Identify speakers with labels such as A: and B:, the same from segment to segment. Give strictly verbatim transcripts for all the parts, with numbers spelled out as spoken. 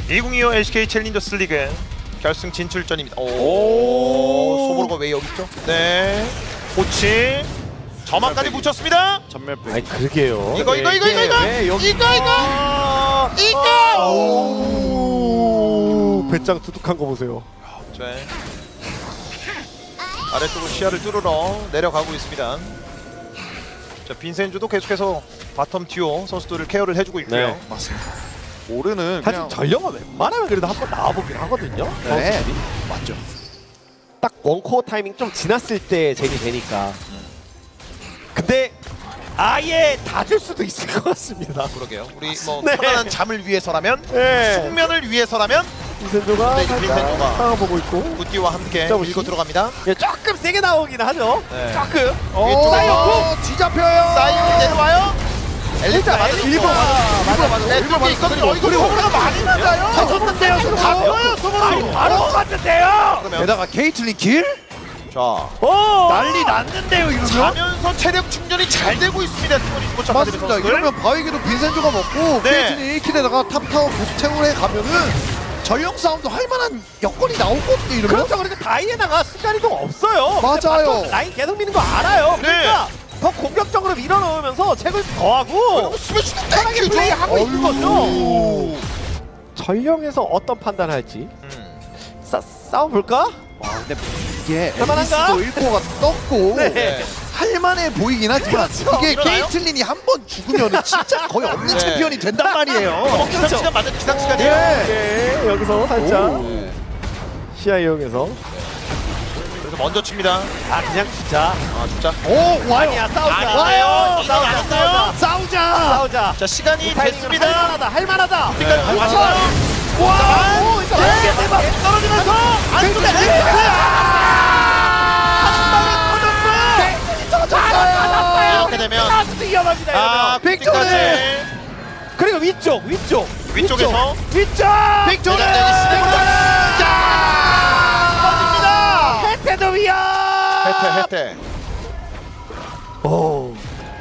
A: 이천이십오 엘씨케이 챌린저스 리그 결승 진출전입니다. 오, 오 소보로가 왜 여기 있죠? 네, 코치 저만까지 붙였습니다.
B: 전멸.
C: 아니 그러게요.
A: 이거 이거 이거 이거 이거
C: 네, 여기...
A: 이거 이거 이거.
C: 오, 배짱 두둑한 거 보세요.
A: 네. 아래쪽으로 시야를 뚫으러 내려가고 있습니다. 자, 빈센주도 계속해서 바텀 듀오 선수들을 케어를 해주고 있고요.
C: 네.
B: 맞습니다. 오르는
C: 사실
B: 그냥
C: 전령은 웬만하면 그래도 한번 나와보긴 하거든요.
B: 네.
C: 선수들이.
B: 맞죠.
C: 딱 원코어 타이밍 좀 지났을 때 젠이 되니까. 근데 아예 다 줄 수도 있을 것 같습니다.
A: 그러게요. 우리 뭐
C: 네.
A: 편안한 잠을 위해서라면,
C: 네.
A: 숙면을 위해서라면
C: 빈센조가
A: 네, 이제 빈센조가
C: 상황보고 있고
A: 굿디와 함께
C: 자,
A: 밀고 들어갑니다.
C: 예, 조금 세게 나오긴 하죠.
A: 네.
C: 조금.
A: 오,
C: 사이언
B: 뒤잡혀요.
A: 사이언이 내려와요. 엘리트 맞아.
C: 일본
A: 맞아 맞아. 네, 뚫게 있거든요. 어, 이거 소보로가 많이 맞아요.
C: 졌는데요,
A: 가벼워요, 소보로.
C: 바로 맞는데요.
B: 게다가 케이틀린 길?
A: 자,
C: 오,
B: 난리 났는데요 이러면?
A: 자면서 체력 충전이 잘 되고 있습니다. 팀원이 스포츠 아카데미
B: 맞습니다.
A: 선수들.
B: 이러면 바위기도 빈센조가 먹고
A: 네.
B: 케이틀린 일 킬에다가 탑타워 보스 채굴에 가면은 전령 싸움도 할 만한 여건이 나오거든요 이러면?
C: 그렇죠. 그러니까 다이애나가 순간이동 없어요.
B: 맞아요.
C: 근데 라인 계속 미는 거 알아요.
A: 네.
C: 그러니까 더 공격적으로 밀어넣으면서 책을 더하고
A: 스매시도
C: 편하게
A: 땡큐죠.
C: 플레이하고 있는 거죠.
A: 어휴.
C: 전령에서 어떤 판단할지
A: 음.
C: 싸, 싸워볼까?
B: 와 근데 이게
C: 할만한가?
B: 앨리스도 일 코어가 떴고
C: 네.
A: 네.
B: 할만해 보이긴 하지만
C: 그렇죠.
B: 이게
A: 일어나요?
B: 케이틀린이 한 번 죽으면 진짜 거의 없는
A: 네.
B: 챔피언이 된단 말이에요.
A: 기상 시간 맞는 기상 시간이에요.
C: 네. 여기서 살짝
B: 오.
C: 시야 이용해서
A: 그래서 먼저 칩니다.
C: 아 그냥 진짜
A: 아 진짜.
B: 오 와요.
C: 아니야 싸우자.
A: 아니에요.
C: 와요.
A: 이건
C: 싸우자.
A: 아니었어요.
C: 싸우자.
B: 싸우자.
C: 싸우자.
A: 자 시간이 됐습니다.
C: 할만하다. 할만하다.
A: 그러니까
C: 네.
A: 왔어요.
C: 와. 오, 이거
A: 네.
C: 대박.
A: 떨어지면서 안쪽에 이렇게 되면
C: 아주 위험합니다.
A: 아
C: 이러면.
A: 빅토리
C: 그리고 위쪽, 위쪽,
A: 위쪽에서
C: 위쪽.
A: 빅토리
C: 자, 해태도 위험.
A: 혜태 혜태.
C: 오.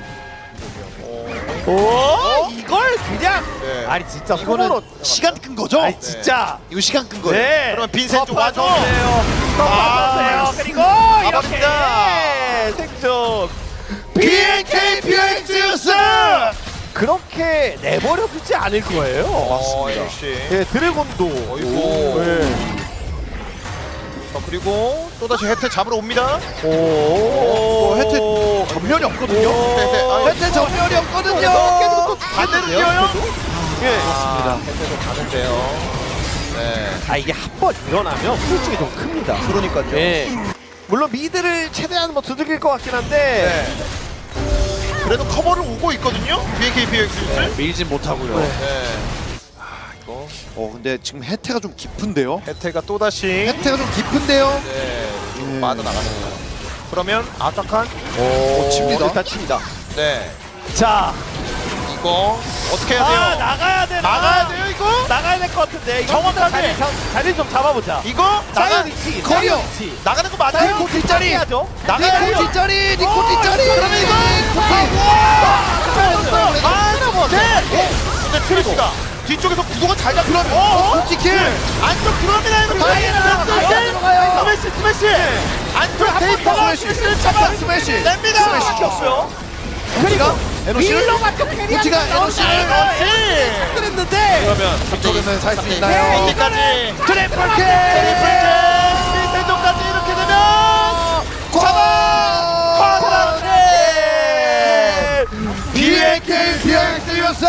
C: 오, 이걸 그냥
A: 네.
C: 아니 진짜
B: 이거는
C: 손으로
B: 시간 끈 거죠?
C: 아니 진짜
B: 이거 시간 끈 거예요.
C: 네.
A: 그러면 빈센조 와줘.
C: 아,
A: 아,
C: 그리고 이렇게
A: 가봅니다.
C: 생존.
B: 비엔케이 비엔엑스
C: 그렇게 내버려 두지 않을 거예요.
A: 어, 역시.
C: 예, 드래곤도.
A: 어이구.
C: 예.
A: 자, 그리고 또다시 혜태 잡으러 옵니다.
C: 오.
B: 오, 혜태 전면이 없거든요.
A: 혜태, 아,
B: 혜태 전면이 없거든요.
C: 계속
A: 반대로 뛰어요?
C: 예.
A: 아, 혜태도 가는데요. 네.
C: 아 이게 한 번 일어나면 후유증이 좀 큽니다.
A: 그러니까요.
C: 예. 물론 미드를 최대한 뭐 두들길 것 같긴 한데.
A: 네. 그래도 커버를 오고 있거든요. 비엔케이 비엑스를.
B: 밀진 못하고요.
A: 네. 아, 이거
B: 어 근데 지금 혜태가 좀 깊은데요.
A: 혜태가 또다시
B: 혜태가 좀 깊은데요.
A: 네.
B: 음.
A: 빠져나가는 그러면 아딱한
B: 오, 칩니다.
C: 일단 칩니다.
A: 네.
C: 자,
A: 이거 어떻게 해야 돼요?
C: 아 나가야 돼.
A: 막아야 돼요, 이거?
C: 나가야 될 것 같은데. 이거
A: 정확하게.
C: 자리, 자, 자리 좀 잡아보자.
A: 이거 나가
C: 사이언 위치.
B: 커리어.
C: 사이언 위치.
A: 나가는 거 맞아요?
B: 니코 뒷자리.
C: 해야죠.
A: 나가야 돼요.
B: 니코 뒷자리. 니코
C: 오,
B: 뒷자리.
C: 그러면 이거
A: 아, 네. 근데 트리시가 뒤쪽에서 구도가 잘 잡히면 어?
B: 솔직히
A: 안쪽 들어갑니다. 이거.
B: 다이애나
A: 스매시,
B: 들어가요.
A: 스매시, 스매시. 안쪽 데이터가 스매시를 잡아
B: 스매시.
A: 냅니다.
B: 스매시
C: 없어요.
B: 그리고 에노시를
C: 밀러가 또 캐리하는
B: 우치가 에노시를
A: 에너지.
C: 그랬는데.
A: 그러면
B: 이쪽에는 살 수
A: 네,
B: 있나요?
A: 어디까지?
B: 트리플
A: 트리플
B: 킬.
A: 킬. 대전까지 이렇게 되면
B: 과
A: 네.
B: 비엔케이 비엔엑스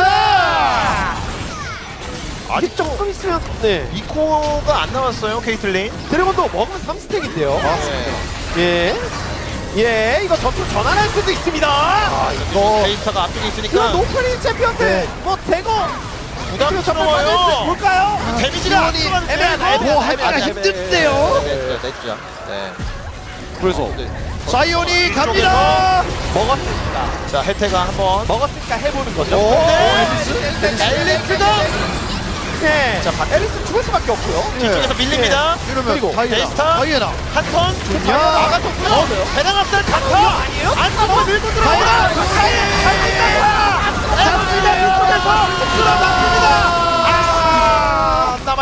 C: 아직 조금 있으면 네.
A: 이코가 안 나왔어요, 케이틀린.
C: 드래곤도 먹으면 삼 스택인데요.
A: 네.
C: 예. 예, 이거 전투 전환할 수도 있습니다.
A: 아, 이거 데이터가 앞쪽에
C: 이거
A: 있으니까
C: 노프리 챔피언들
B: 네.
C: 뭐 대거
A: 부담스러워요.
C: 볼까요?
A: 데미지가
B: 지원이
A: 앞서가는
C: 애매하다,
A: 데이터.
B: 뭐 하기가
A: 애매하다,
B: 힘든데요?
A: 애매하다. 네, 냈죠. 네.
B: 그래서
A: 네.
B: 사이온이 갑니다.
C: 먹었으니까
A: 자, 혜태가 한번.
C: 먹었으니까 해보는 거죠.
B: 오,
A: 네.
B: 앨리스.
A: 앨리스도
C: 네.
A: 자, 박-
C: 앨리스 죽을 수밖에 없고요.
A: 뒤쪽에서 밀립니다.
B: 이러면
C: 그리고
B: 다이애나.
A: 데이스타.
B: 다이애나.
A: 한 턴.
B: 야.
A: 나가줬고요. 배낭 앞살
C: 이거
A: 강타.
C: 아니에요?
A: 안쪽으로 밀고 들어가요.
C: 다이애나!
A: 잡습니다. 이쪽에서 들어갑니다. 아, 안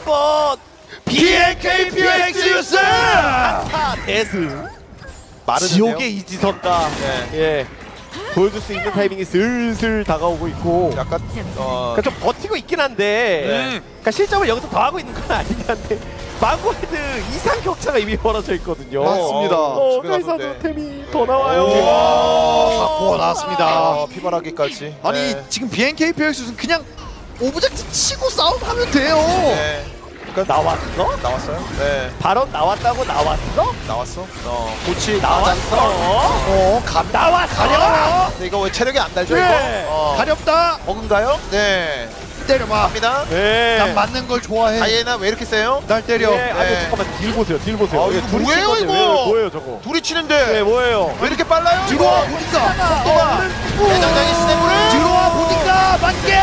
C: 한번
A: 비엔케이 피엑스 유스!
C: 한타 대승
A: 마르는데요?
C: 지옥의 이지선다.
A: 네.
C: 예, 보여줄 수 있는 타이밍이 슬슬 다가오고 있고
A: 약간 어...
C: 그러니까 좀 버티고 있긴 한데
A: 네.
C: 그러니까 실점을 여기서 더 하고 있는 건 아니긴 한데 망고헤드 이상 격차가 이미 벌어져 있거든요.
B: 맞습니다.
C: 어,
A: 집에
C: 그래서
A: 갔는데.
C: 템이 더 나와요.
B: 와, 사고가 나왔습니다.
A: 아, 피바라기까지.
B: 아니
A: 네.
B: 지금 비엔케이 피엑스는 그냥 오브젝트 치고 싸움하면 돼요.
A: 네. 그러니까
C: 나왔어?
A: 나왔어요? 네.
C: 발언 나왔다고 나왔어?
A: 나왔어? 어. 고치
C: 나왔어?
B: 어, 감
C: 나왔어?
B: 가려.
A: 근데 이거 왜 체력이 안 달죠
C: 네.
A: 이거? 어.
B: 가렵다.
A: 버그인가요? 네.
B: 때려봐.
A: 갑니다.
C: 네.
B: 난 맞는 걸 좋아해.
A: 다이애나 왜 이렇게 세요?
B: 날 때려.
C: 네. 아니
A: 네.
C: 잠깐만 딜 보세요. 딜 보세요.
A: 아,
C: 예,
A: 이거
C: 둘이
A: 뭐예요,
C: 친 건데
A: 이거?
C: 왜, 뭐예요 저거?
A: 둘이 치는데
C: 네 뭐예요?
A: 왜 이렇게 빨라요?
B: 들어와
A: 이거?
B: 보니까.
A: 속도가 대장장이 시네물을
B: 들어와 보니까 맞게.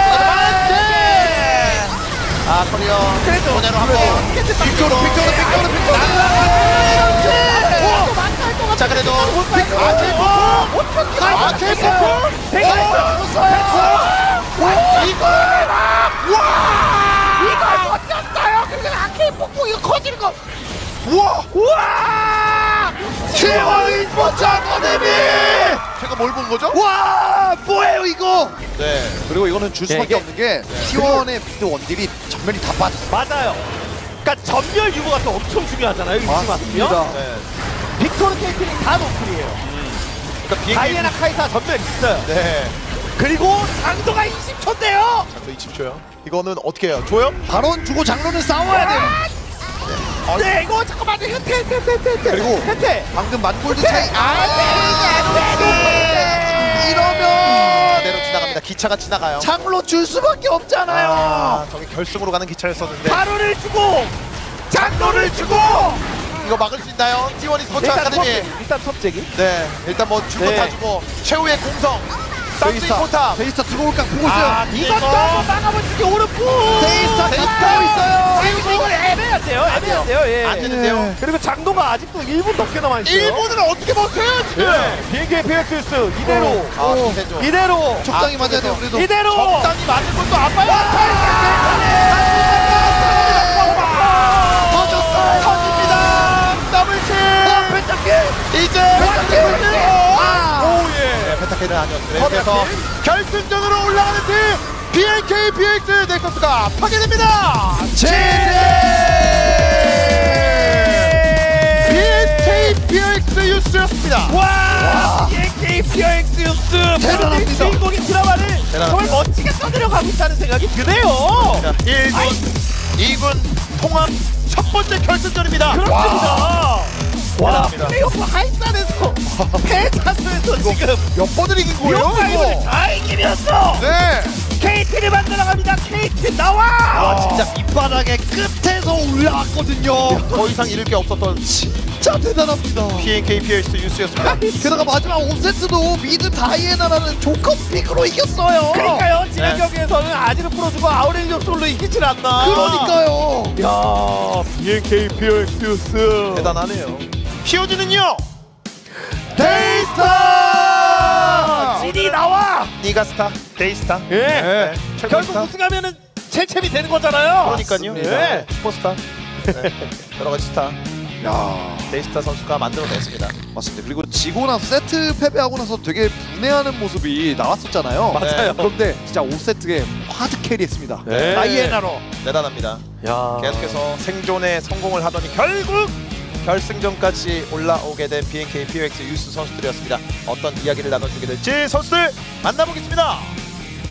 A: 아 커리어
C: 그래도
A: 그대로 한번
B: 빅토르 빅토르 빅토르 빅토르.
A: 자 그래도
B: 아케 포포. 아케 포포.
A: 이거
B: 이걸 못했어요. 그리고 아케 포포 이거 커지는 거.
A: 우와
B: 우와! 티원 스포츠 아카데미!
A: 제가 뭘 본 거죠?
B: 와! 뭐예요 이거?
A: 네
B: 그리고 이거는 줄 수밖에
C: 이게-
B: 없는 게 티원의 미드 원딜이 전면이 다 빠졌어.
C: 맞아요. 그러니까 전멸 유무가 또 엄청 중요하잖아요. 이지 맞으면
A: 네.
C: 빅토르 케이틀린 다 노플이에요.
A: 그러니까 비행기
C: 다이애나 카이사 전멸 있어요.
A: 네
C: 그리고 장도가 이십 초인데요.
A: 자, 이십 초요 이거는 어떻게 해요? 줘요?
B: 발언 주고 장로는 싸워야 돼요.
C: 네 이거 잠깐만요. 혜태 혜태 혜태 혜태
B: 그리고
C: 혜태
B: 방금 만골드 차이. 아!
A: 그대로
B: 이러면
A: 지나갑니다. 기차가 지나가요.
B: 장로 줄 수밖에 없잖아요.
A: 아, 저기 결승으로 가는 기차였었는데
C: 바로를 주고 장도를 주고
A: 이거 막을 수 있나요? 티원이 스포츠
C: 일단
A: 아카데미.
C: 톱재기 일단 톱재기
A: 네, 일단 뭐 줄 거
C: 네.
A: 다 주고 최후의 공성 쌍둥이
B: 데이스타
A: 포탑.
B: 데이스타 들어올까 보고 있어요.
A: 아,
C: 이것도 한번 막아보시기 오른쪽
B: 데이스타
A: 데이스타.
B: 가까워 있어요.
C: 그리고 이걸 애매한데요 애매한데요 예.
A: 안 되는데요.
C: 그리고 장도가 아직도 일 분 넘게 남아있어요.
A: 일 분을 어떻게 버텨요 지금?
C: 예. 비행기의 피엑스스 이대로
A: 아,
B: 오.
A: 김세조.
C: 이대로
B: 적당히
A: 아,
B: 맞아야 돼요.
A: 그래서.
B: 그래도
C: 이대로
A: 적당히 맞는 것도 아파요.
B: 터졌어요.
A: 터집니다. 더블킬. 이제
C: 오예
A: 네, 페타케는 아니었어요. 그래서 결승전으로 올라가는 팀 비엔케이 피엑스 넥서스가 파괴됩니다. 비엔케이 피엑스 유스였습니다.
C: 와 비엔케이 피엑스 유스
B: 대단합니다.
C: 주인공인 드라마를
A: 대단합니다.
C: 정말 멋지게 떠들어가고 있다는 생각이 드네요.
A: 자, 일 군, 이 군 통합 첫 번째 결승전입니다.
C: 그렇습니다. 와
A: 대단합니다.
C: 플레이오프 하이산에서 패자수에서 지금
A: 몇 번을 이긴 거예요?
C: 요파이브를
A: 이거?
C: 다 이기면서
A: 네.
C: 케이티를 만들어갑니다. 케이티 나와.
A: 아, 진짜
B: 밑바닥의 끝에서 올라왔거든요.
A: 더 이상 잃을 게 없었던
B: 진짜 대단합니다.
A: 비엔케이 피엑스 유스였습니다.
B: 게다가 마지막 오 세트도 미드 다이애나라는 조커 픽으로 이겼어요.
C: 그러니까요. 지난
A: 네.
C: 경기에서는 아지를 풀어주고 아우렐리오 솔로 이기질 않나.
B: 그러니까요.
C: 야 비엔케이 피엑스 유스
A: 대단하네요. 피오지는요.
B: 데이스타!
C: 진이 나와.
A: 니가스타, 데이스타.
C: 예.
A: 네.
C: 결국
A: 최고스타.
C: 우승하면은 챔챔이 되는 거잖아요.
A: 그러니까요.
C: 네.
A: 슈퍼스타. 네. 여러 가지 스타.
B: 야,
A: 데이스타 선수가 만들어냈습니다.
B: 맞습니다. 그리고 지고 나서 세트 패배하고 나서 되게 분해하는 모습이 나왔었잖아요.
A: 맞아요.
B: 그런데 진짜 오 세트에 하드 캐리했습니다.
C: 네.
B: 다이애나로.
A: 대단합니다.
C: 야.
A: 계속해서 생존에 성공을 하더니 결국 결승전까지 올라오게 된 비엔케이 피엑스 유스 선수들이었습니다. 어떤 이야기를 나눠주게 될지 선수들 만나보겠습니다.